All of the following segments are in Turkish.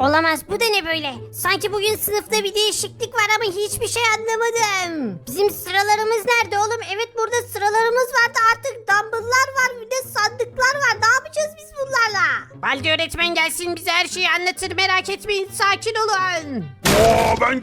Olamaz, bu da ne böyle? Sanki bugün sınıfta bir değişiklik var ama hiçbir şey anlamadım. Bizim sıralarımız nerede oğlum? Evet, burada sıralarımız vardı, artık dumbbell'lar var, bir de sandıklar var. Ne yapacağız biz bunlarla? Baldi öğretmen gelsin bize her şeyi anlatır, merak etmeyin, sakin olun. Ben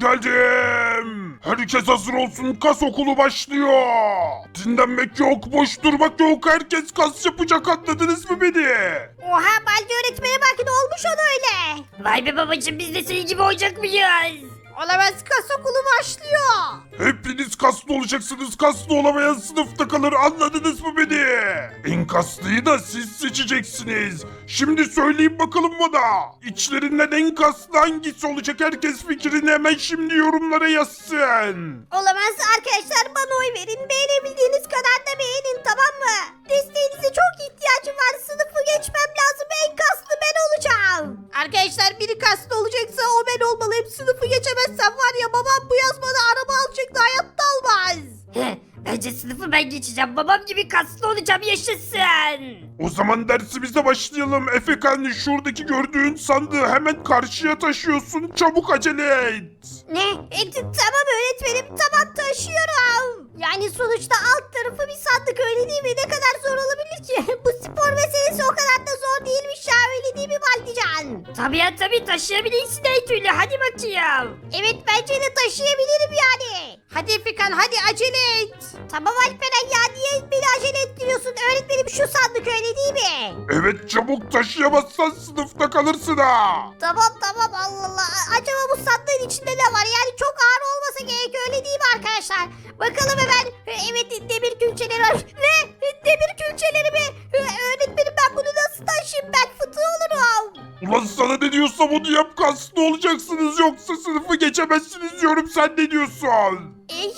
geldim. Herkes hazır olsun, kas okulu başlıyor. Dinlenmek yok, boş durmak yok. Herkes kas yapacak, anladınız mı beni? Oha, Baldi öğretmene bak, ne olmuş ona öyle? Vay be babacığım, biz de senin gibi olacak mıyız? Olamaz, kas okulu başlıyor. Hepiniz kaslı olacaksınız, kaslı olamayan sınıfta kalır, anladınız mı beni? En kaslıyı da siz seçeceksiniz. Şimdi söyleyin bakalım bana. İçlerinden en kaslı hangisi olacak? Herkes fikrini hemen şimdi yorumlara yazsın. Olamaz arkadaşlar, bana oy verin. Beğenebildiğiniz kadar da beğenin, tamam mı? Desteğinize çok ihtiyacım var. Sınıfı geçmem lazım. En kaslı ben olacağım. Arkadaşlar biri kaslı olacaksa o ben olmalıyım. Sınıfı geçemezsem var ya, babam bu yaz bana araba alacaktı, hayatta almaz. Bence sınıfı ben geçeceğim. Babam gibi kaslı olacağım, yaşasın. O zaman dersimize başlayalım. Efekan, şuradaki gördüğün sandığı hemen karşıya taşıyorsun. Çabuk acele et. Ne? Tamam öğretmenim, tamam taşıyorum. Yani sonuçta alt tarafı bir sandık, öyle değil mi? Ne kadar zor olabilir ki? Bu spor meselesi o kadar da zor değilmiş ya, öyle değil mi Baldican? Tabii ya, tabii taşıyabilirsin her türlü, hadi bakayım. Evet, bence de taşıyabilirim yani. Hadi Efekan, hadi acele et. Tamam Alperen ya, niye beni acele ettiriyorsun? Öğretmenim şu sandık, öyle değil mi? Evet, çabuk, taşıyamazsan sınıfta kalırsın ha. Tamam Allah Allah. Acaba bu sandığın içinde ne var? Yani çok ağır olmasa gerek, öyle değil mi arkadaşlar? Bakalım hemen. Evet, demir külçeleri var. Ne? Demir külçeleri mi? Öğretmenim, ben bunu nasıl taşıyayım? Ben fıtığı olurum. Ulan sana ne diyorsam onu yap, kaslı olacaksınız yoksa sınıfı geçemezsiniz diyorum, sen ne diyorsun?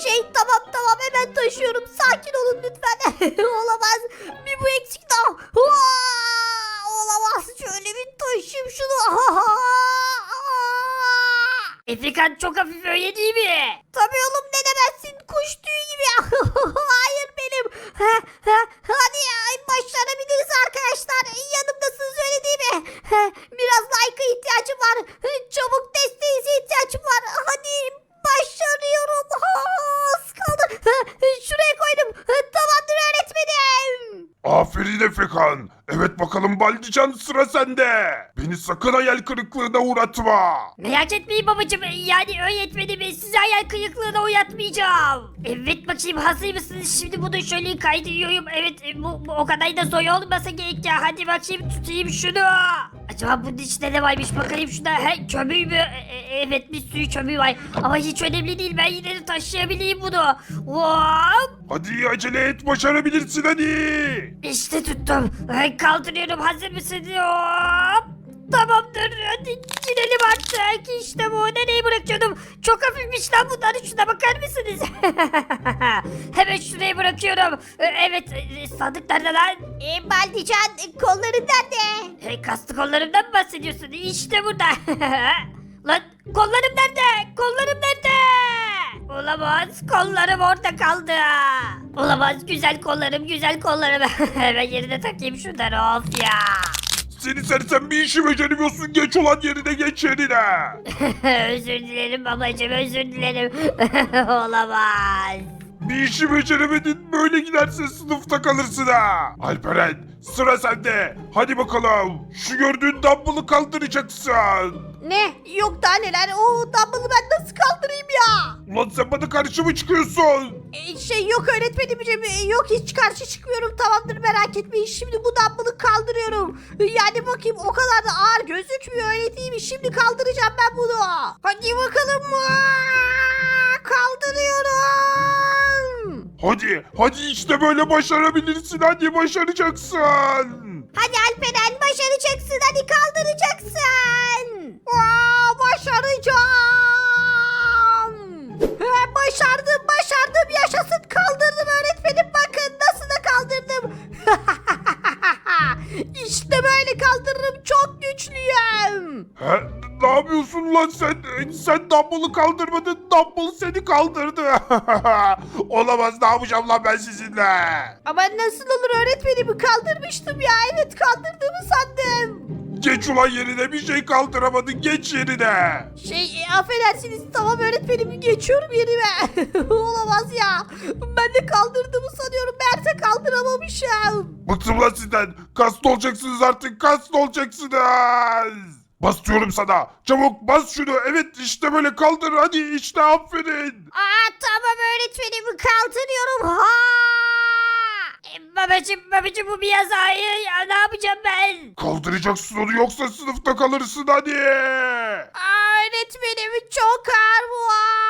Tamam hemen taşıyorum. Sakin olun lütfen. Olamaz. Bir bu eksik daha. Olamaz. Şöyle bir taşıyayım şunu. Efekan çok hafif, öyle değil mi? Tabii oğlum, ne demezsin, kuş tüyü gibi. Hayır benim. Hadi ya, başarabiliriz arkadaşlar. Yanımdasınız, öyle değil mi? Biraz like'a ihtiyacım var. Çabuk desteğinize ihtiyacım var. Hadi, başarıyorum. Az kaldı. Şuraya koydum. Tamamdır öğretmenim. Aferin Efekan. Evet bakalım Baldican, sıra sende. Beni sakın hayal kırıklığına uğratma. Merak etmeyin babacığım, yani öğretmenimi sizi hayal kırıklığına uğratmayacağım. Evet bakayım, hazır mısınız? Şimdi bunu şöyle kaydırıyorum. Evet, bu o kadar da zor olmasa gerek ya. Hadi bakayım, tutayım şunu. Acaba bunun içinde ne varmış, bakayım şuna. Kömür mü? Evet, bir sürü kömür var. Ama hiç önemli değil, ben yine de taşıyabileyim bunu. Hop! Hadi acele et, başarabilirsin hadi. İşte tuttum. Kaldırıyorum, hazır mısın? Hop! Tamamdır, hadi gidelim artık. İşte bu, nereye bırakıyordum? Çok hafifmiş lan bunlar, şuna bakar mısınız? Hemen şuraya bırakıyorum. Evet, sandık nerede lan? Baldican, kolların nerede? Kaslı kollarımdan mı bahsediyorsun? İşte burada. Lan kollarım nerede? Kollarım nerede? Olamaz, kollarım orada kaldı. Olamaz, güzel kollarım, güzel kollarım. Hemen yerine takayım şunları, of ya. Seni sersem, bir işi beceremiyorsun, geç olan yerine, geç yerine. Özür dilerim babacığım, özür dilerim. Olamaz. Bir işi beceremedin, böyle giderse sınıfta kalırsın ha. Alperen, sıra sende. Hadi bakalım, şu gördüğün dumbbell'ı kaldıracaksın. Ne? Yok daha neler? O dumbbell'ı ben nasıl kaldırayım ya? Ulan sen bana karşı mı çıkıyorsun? Yok öğretmenim, yok hiç karşı çıkmıyorum, tamamdır merak etmeyin. Şimdi bu dumbbell'ı kaldırıyorum. Yani bakayım, o kadar da ağır gözükmüyor, öyle değil mi? Şimdi kaldıracağım ben bunu. Hadi bakalım. Kaldırıyorum. Hadi işte böyle başarabilirsin, hadi başaracaksın. Hadi Alperen, başaracaksın, hadi kaldıracaksın. Başaracağım. Başardım, yaşasın, kaldırdım öğretmenim, bakın nasıl da kaldırdım. İşte böyle kaldırırım, çok güçlüyüm. Ne yapıyorsun lan sen? Sen dumbbell'ı kaldırmadın, dumbbell seni kaldırdı. Olamaz, ne yapacağım lan ben sizinle? Ama nasıl olur öğretmenim, kaldırmıştım ya, evet kaldırdığımı sandım. Geç ulan yerine, bir şey kaldıramadın, geç yerine. Affedersiniz, tamam öğretmenim, geçiyorum yerime. Olamaz ya. Ben de kaldırdığımı sanıyorum. Meğerse kaldıramamışım. Bıktım lan sizden. Kaslı olacaksınız artık, kaslı olacaksınız. Bas diyorum sana. Çabuk bas şunu. Evet işte böyle kaldır. Hadi işte, aferin. Tamam öğretmenim, kaldırıyorum. Ha! Babacım bu biraz ağır ya, ne yapacağım ben? Kaldıracaksın onu, yoksa sınıfta kalırsın hadi. Öğretmenim, çok ağır bu.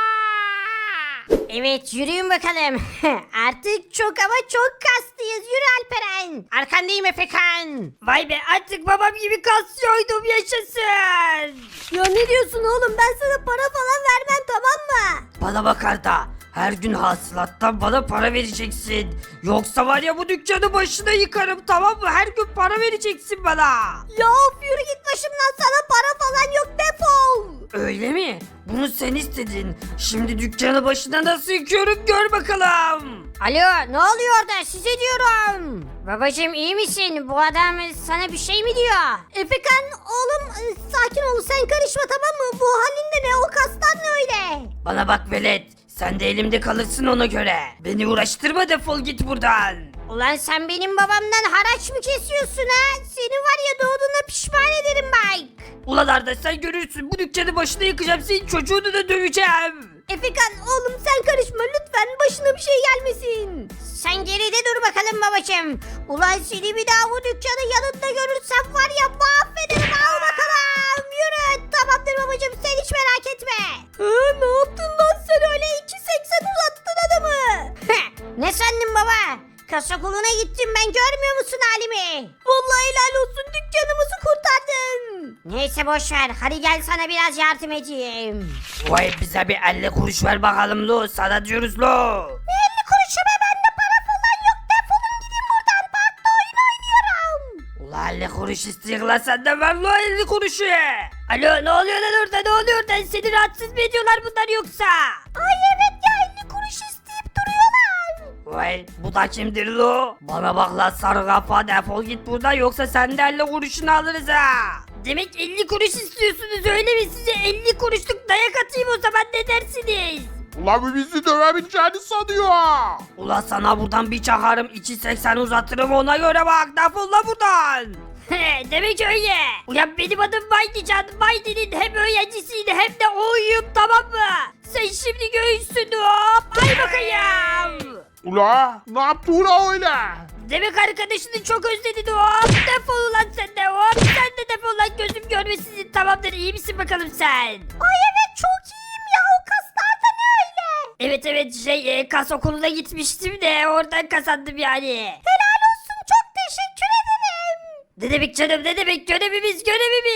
Evet, yürüyün bakalım. Artık çok ama çok kaslıyız. Yürü Alperen. Arkandayım Efekan. Vay be, artık babam gibi kasyoydum, yaşasın. Ya ne diyorsun oğlum? Ben sana para falan vermem, tamam mı? Bana bak Arda, her gün hasılattan bana para vereceksin. Yoksa var ya bu dükkanı başına yıkarım, tamam mı? Her gün para vereceksin bana. Ya of, yürü git başımdan, sana para falan yok, defol. Öyle mi? Bunu sen istedin. Şimdi dükkanı başına nasıl yıkıyorum, gör bakalım. Alo, ne oluyor orada? Size diyorum. Babacım, iyi misin? Bu adam sana bir şey mi diyor? Efekan oğlum, sakin ol, sen karışma, tamam mı? Bu halinde ne, o kastan ne öyle? Bana bak velet, sen de elimde kalırsın ona göre. Beni uğraştırma, defol git buradan. Ulan sen benim babamdan haraç mı kesiyorsun ha? Seni var ya, doğduğuna pişman ederim Mike. Ulan Arda, sen görürsün, bu dükkanı başına yıkacağım, senin çocuğunu da döveceğim. Efekan oğlum, sen karışma lütfen, başına bir şey gelmesin. Sen geride dur bakalım babacım. Ulan seni bir daha bu dükkanın yanında görürsem var ya, mahvederim, al bakalım. Yürü, tamamdır babacım, sen hiç merak etme. Ne yaptın lan sen öyle, 2.80 uzattın adamı. Ne sandın baba? Kasa koluna gittim ben, görmüyor musun halimi? Vallahi helal olsun, dükkanımızı kurtardın. Neyse boşver, hadi gel sana biraz yardım edeyim. Vay, bize bir 50 kuruş ver bakalım lo, sana diyoruz lo. 50 kuruşum, bende para falan yok, defolun gidin buradan, parkta oyun oynuyorum. Ulan 50 kuruş istiyor lan, senden ver lo 50 kuruşu. Alo, ne oluyor lan orada, ne oluyor orada, seni rahatsız mı ediyorlar bunlar yoksa? Ay evet ya, 50 kuruş isteyip duruyorlar. Vay, bu da kimdir lo? Bana bak lan sarı kafa, defol git buradan, yoksa sen de 50 kuruşunu alırız ha. Demek 50 kuruş istiyorsunuz öyle mi? Size 50 kuruşluk dayak atayım o zaman, ne dersiniz? Ulan bu bizi dövebileceğini sanıyor. Ulan sana buradan bir çakarım, 2.80 uzatırım, ona göre bak, defol lan buradan. Demek öyle. Ulan benim adım Maydican. Maydi'nin hem öğrencisiydi hem de oyum, tamam mı? Sen şimdi göğüsün, hop. Ay bakayım. Ula ne yaptı ula öyle? Demek arkadaşını çok özledin, hop. Defol ulan sen de, hop. Sen de defol lan, gözüm görmesin. Tamamdır, iyi misin bakalım sen? Ay evet, çok iyiyim ya, o kaslar da ne öyle? Evet kas okuluna gitmiştim de oradan kazandım yani. Helal olsun, çok teşekkür ederim. Ne demek canım, ne demek, görevimiz.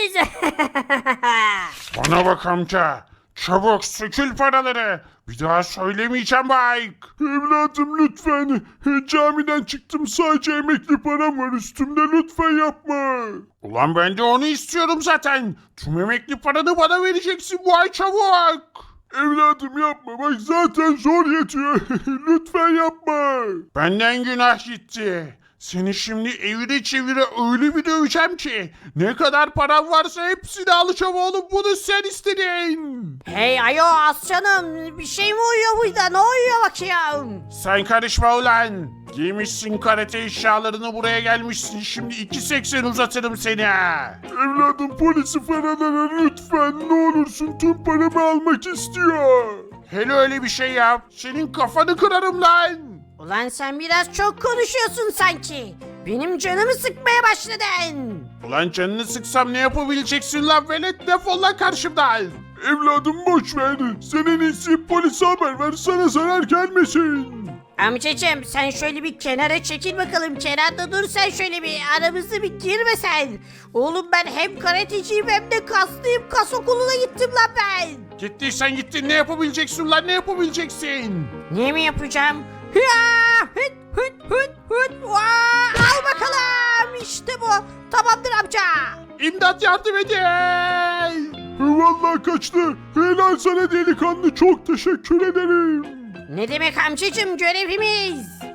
Bana bak amca. Çabuk sökül paraları. Bir daha söylemeyeceğim Mike. Evladım lütfen. Camiden çıktım, sadece emekli param var üstümde, lütfen yapma. Ulan ben de onu istiyorum zaten. Tüm emekli paranı bana vereceksin bu ay, çabuk. Evladım yapma, bak zaten zor yetiyor. Lütfen yapma. Benden günah gitti. Seni şimdi evire çevire öyle bir döveceğim ki ne kadar param varsa hepsini alacağım oğlum, bunu sen istedin. Hey ayo aslanım, bir şey mi uyuyor burada, ne uyuyor bakayım? Sen karışma ulan. Giymişsin karate eşyalarını, buraya gelmişsin, şimdi 2.80 uzatırım seni. Evladım polisi falan ara lütfen, ne olursun, tüm paramı almak istiyor. Hele öyle bir şey yap, senin kafanı kırarım lan. Ulan sen biraz çok konuşuyorsun sanki. Benim canımı sıkmaya başladın. Ulan canını sıksam ne yapabileceksin lan velet, defol lan karşımdan. Evladım boş ver, senin iyisi polise haber ver, sana zarar gelmesin. Amcacım sen şöyle bir kenara çekil bakalım, kenarda dur sen, şöyle bir aramızda bir girme sen. Oğlum ben hem karateciyim hem de kaslıyım, kas okuluna gittim lan ben. Gittiysen gittin, ne yapabileceksin lan, ne yapabileceksin? Ne mi yapacağım? Hıa! Hıt hıt hıt hıt! Vaa! Al bakalım, işte bu. Tamamdır amca. İmdat, yardım edin. Vallahi kaçtı. Helal sana delikanlı, çok teşekkür ederim. Ne demek amcacım, görevimiz.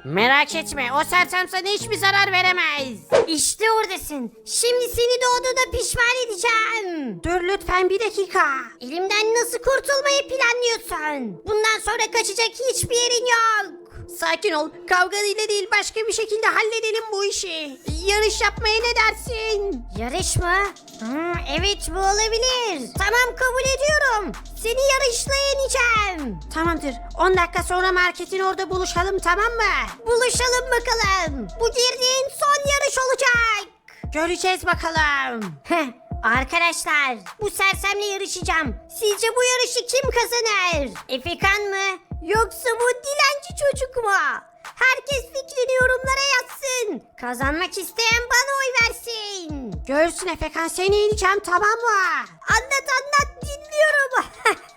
Merak etme, o sersem sana hiçbir zarar veremez. İşte oradasın. Şimdi seni doğduğuna pişman edeceğim. Dur lütfen bir dakika. Elimden nasıl kurtulmayı planlıyorsun? Bundan sonra kaçacak hiçbir yerin yok. Sakin ol. Kavga ile değil, başka bir şekilde halledelim bu işi. Yarış yapmaya ne dersin? Yarış mı? Evet, bu olabilir. Tamam, kabul ediyorum. Seni yarışla yeneceğim. Tamamdır. 10 dakika sonra marketin orada buluşalım, tamam mı? Buluşalım bakalım. Bu girdiğin son yarış olacak. Göreceğiz bakalım. Arkadaşlar, bu sersemle yarışacağım. Sizce bu yarışı kim kazanır? Efekan mı? Yoksa bu dilenci çocuk mu? Herkes fikrini yorumlara yazsın. Kazanmak isteyen bana oy versin. Görsün Efekan, seni yeneceğim, tamam mı? Anlat dinliyorum.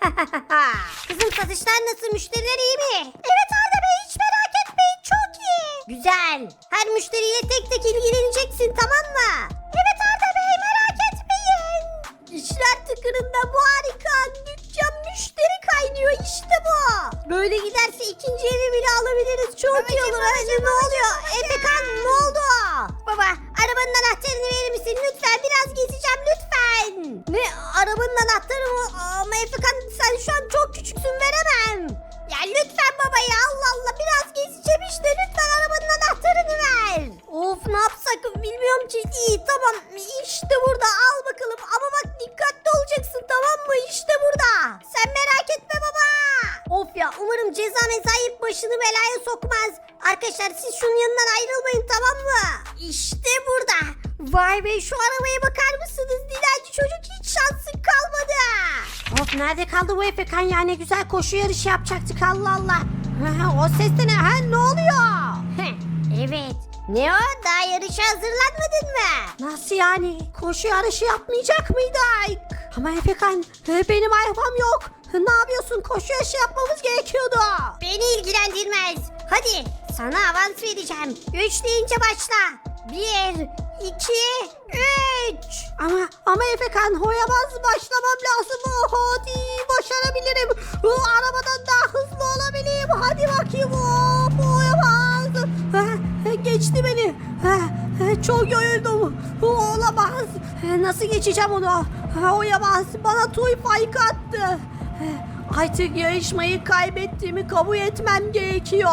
Kızım, satışlar nasıl? Müşteriler iyi mi? Evet Arda Bey, hiç merak etmeyin, çok iyi. Güzel. Her müşteriyle tek tek ilgileneceksin, tamam mı? Evet Arda Bey, merak etmeyin. İşler tıkırında, bu harika. Dükkan müşteri kaynıyor, işte bu. Böyle giderse ikinci evi bile alabiliriz. Çok iyi olur. Ne oluyor? Efekan, ne oldu? Baba, arabanın anahtarını verir misin? Lütfen, biraz gezeceğim lütfen. Ne? Arabanın anahtarı mı? Ama Efekan, sen şu an çok küçüksün, veremem. Ya lütfen baba ya, Allah Allah, biraz gezeceğim işte, lütfen arabanın anahtarını ver. Of, ne yapsak bilmiyorum ki. İyi, tamam, işte burada, al bakalım, ama bak dikkatli olacaksın, tamam mı? İşte burada. Sen merak etme baba. Of ya, umarım ceza mezayip başını belaya sokmaz. Arkadaşlar, siz şunun yanından ayrılmayın, tamam mı? İşte burada. Vay be, şu arabaya bakar mısınız? Dilenci çocuk, hiç şansın kalmadı. Of, nerede kaldı bu Efekan ya? Ne güzel koşu yarışı yapacaktık, Allah Allah. O ses de ne? Ne oluyor? Evet. Ne o? Daha yarışa hazırlanmadın mı? Nasıl yani? Koşu yarışı yapmayacak mıydık? Ama Efekan, benim arabam yok. Ne yapıyorsun? Koşu yarışı yapmamız gerekiyordu. Beni ilgilendirmez. Hadi, sana avans vereceğim. 3 deyince başla. 1, 2, 3. Ama Efekan, hoyamaz başlamam lazım. Hadi başarabilirim. Arabadan daha hızlı olabilirim. Hadi bakayım. Hoyamaz. Geçti beni. Çok yoruldum. Olamaz. Nasıl geçeceğim onu? Hoyamaz. Bana Toy Fike attı. Artık yarışmayı kaybettiğimi kabul etmem gerekiyor.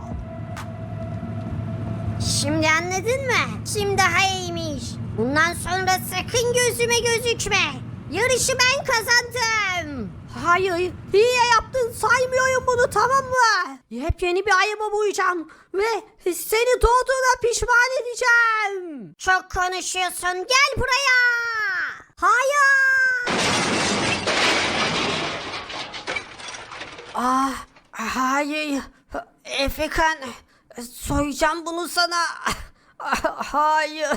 Şimdi anladın mı? Kim daha iyiymiş? Bundan sonra sakın gözüme gözükme. Yarışı ben kazandım. Hayır, iyi yaptın, saymıyorum bunu, tamam mı? Yepyeni bir araba bulacağım ve seni doğduğuna pişman edeceğim. Çok konuşuyorsun. Gel buraya. Hayır. Hayır, Efekan, soyacağım bunu sana. Hayır.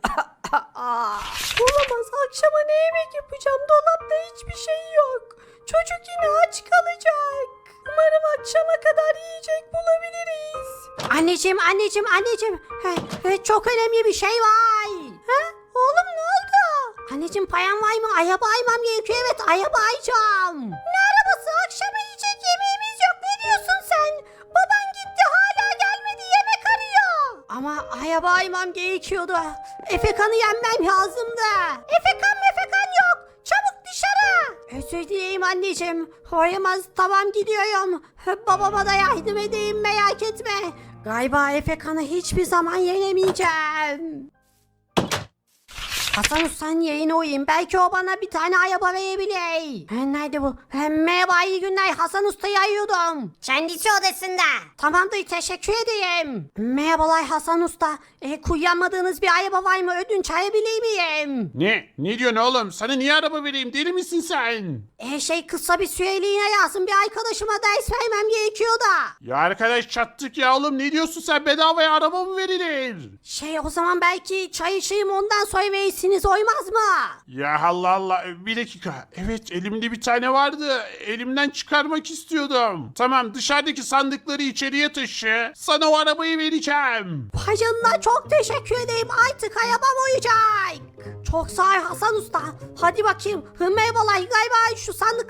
Olamaz, akşama ne yemek yapacağım? Dolapta hiçbir şey yok. Çocuk yine aç kalacak. Umarım akşama kadar yiyecek bulabiliriz. Anneciğim. Çok önemli bir şey var. Oğlum, ne oldu? Anneciğim, payan var mı? Araba almam gerekiyor. Evet, araba alacağım. Ne arabası? Akşama yiyecek yemeğimiz yok. Ne diyorsun sen? Baban gitti, hala gelmedi, yemek arıyor. Ama araba almam gerekiyordu. Efekan'ı yenmem lazımdı. Efekan yok. Çabuk dışarı. Özür dileyim anneciğim. Hoyamaz, tamam, gidiyorum. Babama da yardım edeyim, merak etme. Galiba Efekan'ı hiçbir zaman yenemeyeceğim. Hasan Usta'nın yerine uyuyayım. Belki o bana bir tane araba verebilir. Nerede bu? Merhaba, iyi günler. Hasan Usta'yı arıyordum. Kendisi odasında. Tamamdır, teşekkür ederim. Merhabalar Hasan Usta. Kullanmadığınız bir araba var mı? Ödünç alabilir miyim? Ne? Ne diyorsun oğlum? Sana niye araba vereyim? Deli misin sen? Kısa bir süreliğine lazım. Bir arkadaşıma ders vermem gerekiyor da. Ya arkadaş, çattık ya oğlum. Ne diyorsun sen? Bedavaya araba mı verilir? O zaman belki çay içeyim, ondan sonra verirsiniz, olmaz mı? Ya Allah Allah. Bir dakika. Evet, elimde bir tane vardı. Elimden çıkarmak istiyordum. Tamam, dışarıdaki sandıkları içeriye taşı. Sana o arabayı vereceğim. Vay canına, çok teşekkür ederim. Artık arabam uyacak. Çok sağ ol Hasan Usta. Hadi bakayım. Merhabalar, galiba şu sandıklar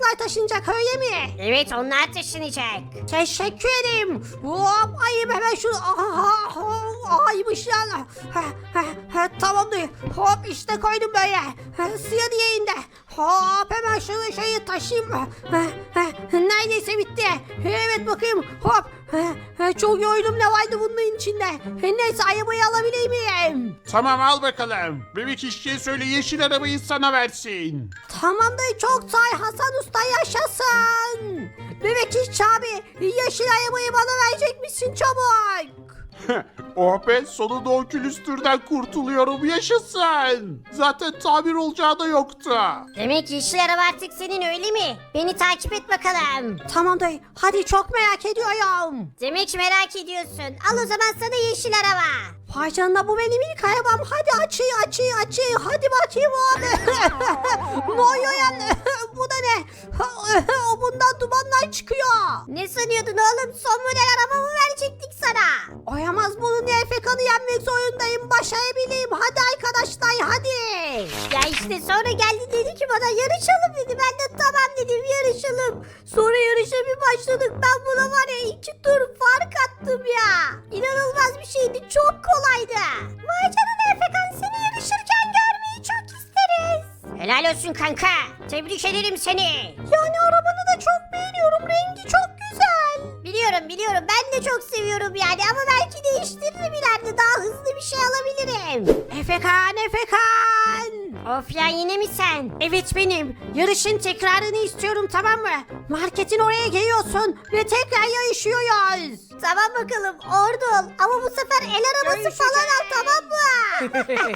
bunlar taşınacak öyle mi? Evet onlar taşınacak. Teşekkür ederim. Hop ayım hemen şunu. Aymış lan. Tamamdır. Hop işte koydum böyle. Suya diyeyim de. Hop hemen şunu şeyi taşıyayım. Neredeyse bitti. Evet bakayım. Hop. Çok yoruldum ne vardı bunun içinde. Neyse arabayı alabilir miyim? Tamam al bakalım. Bebek işçiye söyle yeşil arabayı sana versin. Tamamdır çok say Hasan Usta yaşasın. Bebek işçi abi yeşil arabayı bana verecek misin çabuk? Oh be sonunda o külüstürden kurtuluyorum yaşasın. Zaten tamir olacağı da yoktu. Demek yeşil araba artık senin öyle mi? Beni takip et bakalım. Tamam dayı hadi çok merak ediyorum. Demek merak ediyorsun. Al o zaman sana yeşil araba. Vay canına bu benim ilk arabam. Hadi açı. Hadi bakayım abi. Ne oluyor yani? Bu da ne? Bundan dumanlar çıkıyor. Ne sanıyordun oğlum? Son model arabamı verecektik sana. Oyamaz bunun Efekan'ı yenmek zorundayım. Başarabileyim. Hadi arkadaşlar hadi. Ya işte sonra geldi dedi ki bana yarışalım dedi. Ben de tamam dedim yarışalım. Sonra yarışa bir başladık. Ben buna var ya 2 tur fark attım ya. İnanılmaz bir şeydi. Çok kolaydı. Vay canına Efekan seni yarışırken görmeyi çok isteriz. Helal olsun kanka. Tebrik ederim seni. Yani arabanı da çok beğeniyorum. Rengi çok güzel. Biliyorum ben de çok seviyorum yani ama belki değiştiririm ileride daha hızlı bir şey alabilirim. Efekan. Of ya yine mi sen? Evet benim. Yarışın tekrarını istiyorum tamam mı? Marketin oraya geliyorsun ve tekrar yarışıyoruz. Tamam bakalım orada ol ama bu sefer el arabası falan al tamam mı?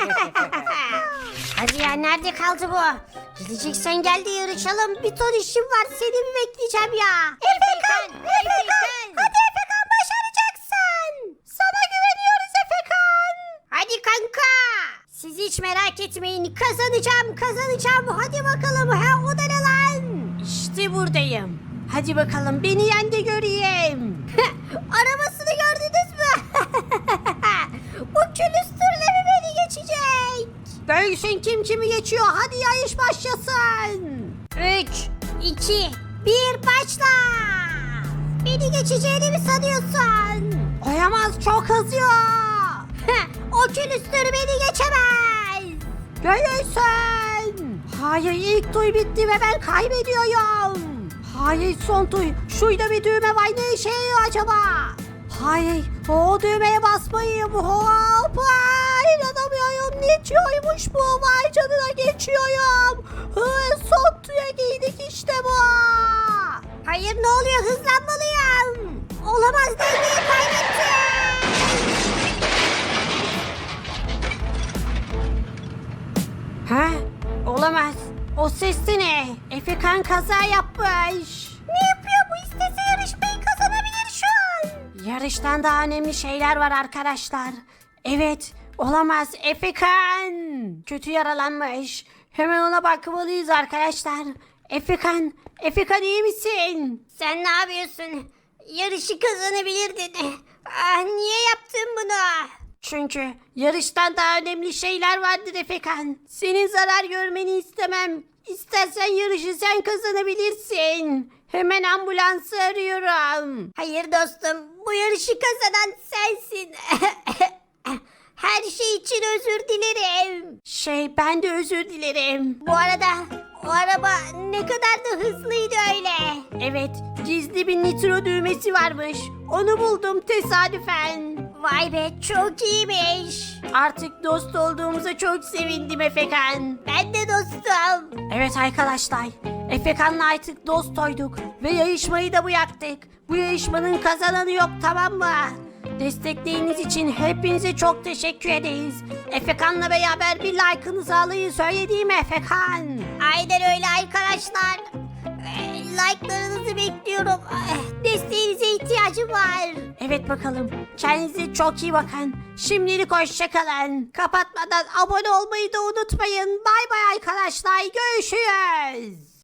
Hadi ya nerede kaldı bu? Gideceksen gel de yarışalım bir ton işim var seni mi bekleyeceğim ya? Efekan! Hadi Efekan başaracaksın. Sana güveniyoruz Efekan. Hadi kanka. Siz hiç merak etmeyin kazanacağım. Hadi bakalım ha o da ne lan? İşte buradayım. Hadi bakalım beni yen de göreyim. Arabasını gördünüz mü? Bu külüstürle mi beni geçecek? Görsün kim kimi geçiyor. Hadi yarış başlasın. 3, 2, 1 başla. Beni geçeceğini mi sanıyorsun? Oyamaz çok hızlı. O külüstür beni geçemez. Görürsün. Hayır ilk tur bitti ve ben kaybediyorum. Hayır son tur. Şurada bir düğme var ne işe yarıyor acaba? Hayır o düğmeye basmayayım. Hoppa inanamıyorum. Geçiyormuş bu. Vay canına geçiyorum. Son tura giydik işte bu. Hayır ne oluyor hızlanmalıyım. Olamaz dengeyi kaybettim. Ha? Olamaz. O ses de ne? Efekan kaza yapmış. Ne yapıyor bu istese yarışmayı kazanabilir şu an. Yarıştan daha önemli şeyler var arkadaşlar. Evet, olamaz. Efekan kötü yaralanmış. Hemen ona bakmalıyız arkadaşlar. Efekan iyi misin? Sen ne yapıyorsun? Yarışı kazanabilirdin. Niye yaptın bunu? Çünkü yarıştan daha önemli şeyler vardır Efekan. Senin zarar görmeni istemem. İstersen yarışı sen kazanabilirsin. Hemen ambulansı arıyorum. Hayır dostum, bu yarışı kazanan sensin. Her şey için özür dilerim. Ben de özür dilerim. Bu arada o araba ne kadar da hızlıydı öyle. Evet, gizli bir nitro düğmesi varmış. Onu buldum tesadüfen. Vay be çok iyiymiş. Artık dost olduğumuza çok sevindim Efekan. Ben de dostum. Evet arkadaşlar, Efekan'la artık dost olduk ve yarışmayı da bıraktık. Bu yarışmanın kazananı yok tamam mı? Destekleriniz için hepinize çok teşekkür ederiz. Efekan'la beraber bir like'ınızı alayım söylediğim Efekan. Aynen öyle arkadaşlar. Like'larınızı bekliyorum. Desteğinize ihtiyacım var. Evet bakalım. Kendinize çok iyi bakın. Şimdilik hoşçakalın. Kapatmadan abone olmayı da unutmayın. Bay bay arkadaşlar. Görüşürüz.